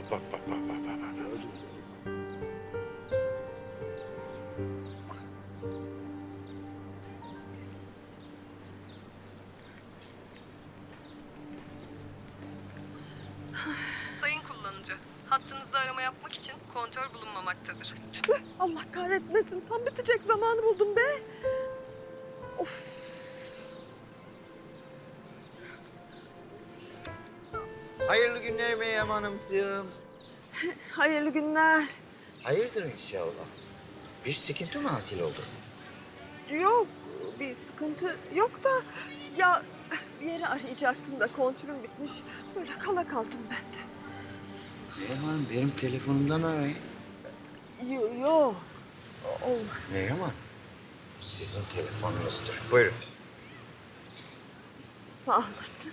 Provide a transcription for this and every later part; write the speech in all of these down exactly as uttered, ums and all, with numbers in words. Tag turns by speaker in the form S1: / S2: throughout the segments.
S1: bak bak bak bak. bak.
S2: Gördüm.
S3: Sayın kullanıcı, hattınızda arama yapmak için kontör bulunmamaktadır.
S4: Tüh, Allah kahretmesin. Tam bitecek zamanı buldum be. Of.
S2: Hayırlı günler Meryem Hanımcığım.
S4: Hayırlı günler.
S2: Hayırdır inşallah. Bir sıkıntı mı hasıl oldu?
S4: Yok, bir sıkıntı yok da... Ya bir yere arayacaktım da kontürüm bitmiş. Böyle kala kaldım ben de.
S2: Meryem Hanım benim telefonumdan arayın.
S4: Yok, yok. Olmaz.
S2: Meryem Hanım, sizin telefonunuzdur. Buyurun.
S4: Sağ olasın.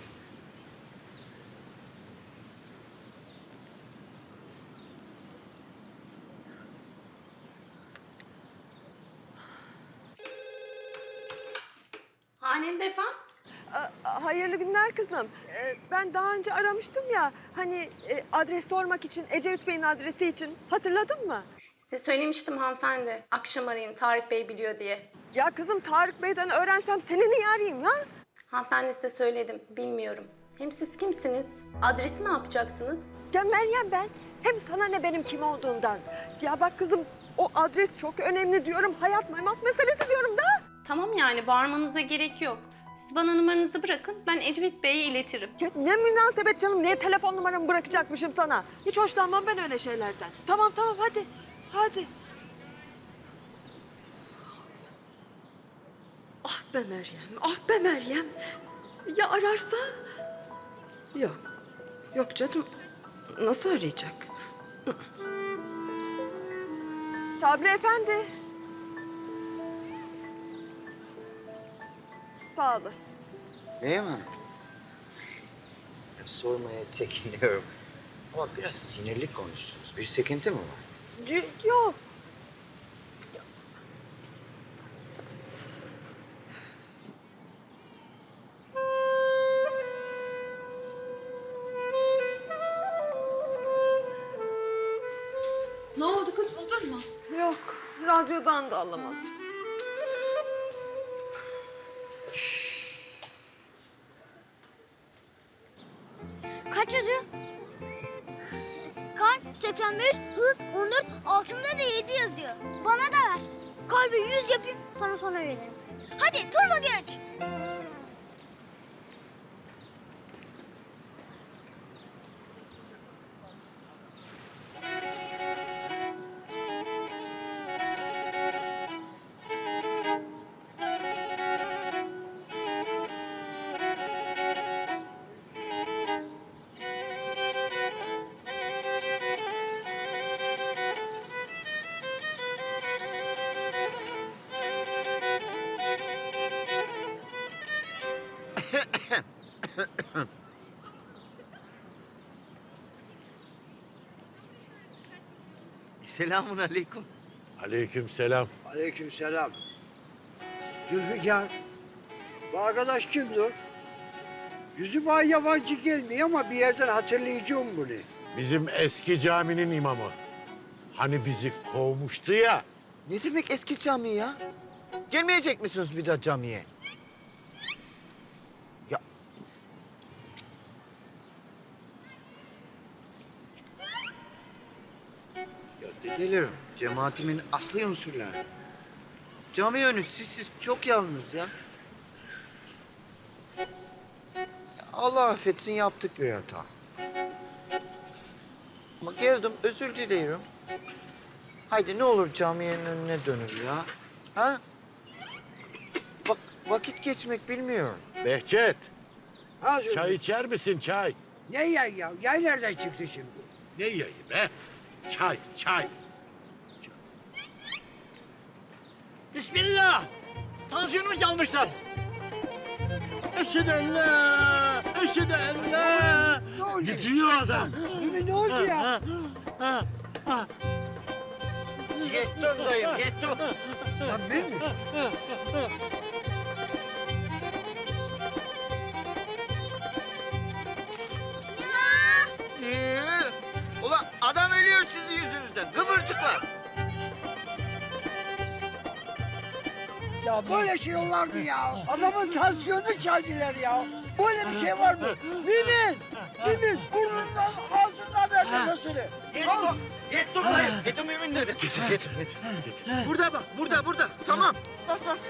S5: Hanende efendim?
S4: A- Hayırlı günler kızım. Ee, Ben daha önce aramıştım ya. Hani e, adres sormak için, Ecevit Bey'in adresi için. Hatırladın mı?
S5: Size söylemiştim hanımefendi. Akşam arayın, Tarık Bey biliyor diye.
S4: Ya kızım Tarık Bey'den öğrensem seni niye arayayım ya?
S5: Hanımefendi size söyledim, bilmiyorum. Hem siz kimsiniz? Adresi ne yapacaksınız?
S4: Ya Meryem ben. Hem sana ne benim kim olduğundan. Ya bak kızım o adres çok önemli diyorum. Hayat maymat meselesi diyorum da.
S5: Tamam yani bağırmanıza gerek yok. Siz bana numaranızı bırakın, ben Ecevit Bey'e iletirim.
S4: Ya ne münasebet canım. Niye telefon numaramı bırakacakmışım sana? Hiç hoşlanmam ben öyle şeylerden. Tamam tamam hadi. Hadi. Ah be Meryem, ah be Meryem. Ya ararsa? Yok, yok canım. Nasıl arayacak? Sabri Efendi. Sağ olasın.
S2: Meryem Hanım, sormaya çekiniyorum. Ama biraz sinirli konuştunuz. Bir sıkıntı mı var?
S4: Y- Yok.
S6: Ne oldu kız, buldun mu?
S4: Yok, radyodan da alamadım.
S7: Kaç yazıyor? Kalp seksen beş, hız on dört, altında da yedi yazıyor. Bana da ver. Kalbi yüz yapayım, sana sonra veririm. Hadi turbo geç.
S2: Selamun aleyküm.
S1: Aleykümselam.
S8: Aleykümselam. Zülfikar, bu arkadaş kimdir? Yüzü bana yabancı gelmiyor ama bir yerden hatırlayacağım bunu.
S1: Bizim eski caminin imamı. Hani bizi kovmuştu ya.
S2: Ne demek eski cami ya? Gelmeyecek misiniz bir daha camiye? Ya... Ya dedelerim, cemaatimin asli unsurları. Cami önü sizsiz çok yalnız ya. Ya Allah affetsin yaptık bir hata. Ama geldim özür dilerim. Haydi ne olur camiyenin önüne dönül ya. Ha? Bak vakit geçmek bilmiyorum.
S1: Behçet,
S8: Ha Zülfikar.
S1: çay içer misin çay?
S8: Ne yay ya? Yay nereden çıktı şimdi?
S1: Ne yayı be? Çay, çay.
S9: Bismillah! Tansiyonumu çalmışlar. Eşhedü en la, eşhedü en la.
S8: Ne oldu?
S1: Gidiyor adam.
S8: Değil mi? Ne oldu ya?
S9: Ha, ha.
S2: Yettim dayım, yettim.
S8: Lan ben mi?
S2: Ee, ulan
S8: ya. Böyle şey olur mu ya? Adamın tansiyonunu çaldılar ya. Böyle bir şey var mı? Mümin! Mümin! Burnundan ağzından ver nefesini. Al.
S2: Yetti dayı. Yetti mümin dedi. Yetti, yetti. Burada bak, burada, burada. Tamam. Bas, bas.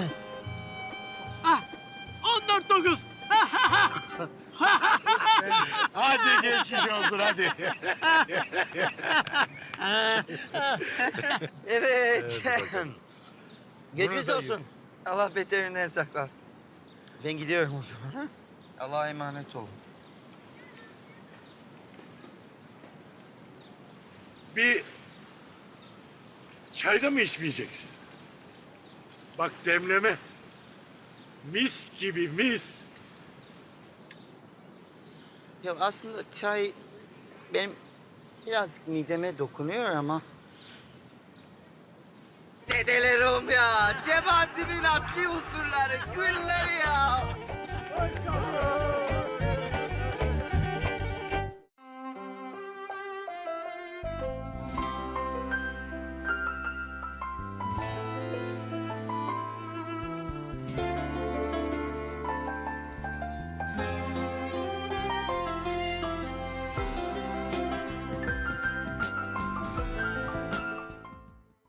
S9: on dört dokuz.
S1: Hadi geçmiş olsun hadi.
S2: Evet. Geçmiş
S1: Buradayım.
S2: olsun. Allah beterinden saklasın. Ben gidiyorum o zaman. Ha? Allah'a emanet olun.
S1: Bir çayda mı içmeyeceksin? Bak demleme. Mis gibi mis.
S2: Ya aslında çay benim birazcık mideme dokunuyor ama... Dedelerim ya, Cemaat'imin asli unsurları, gülleri ya.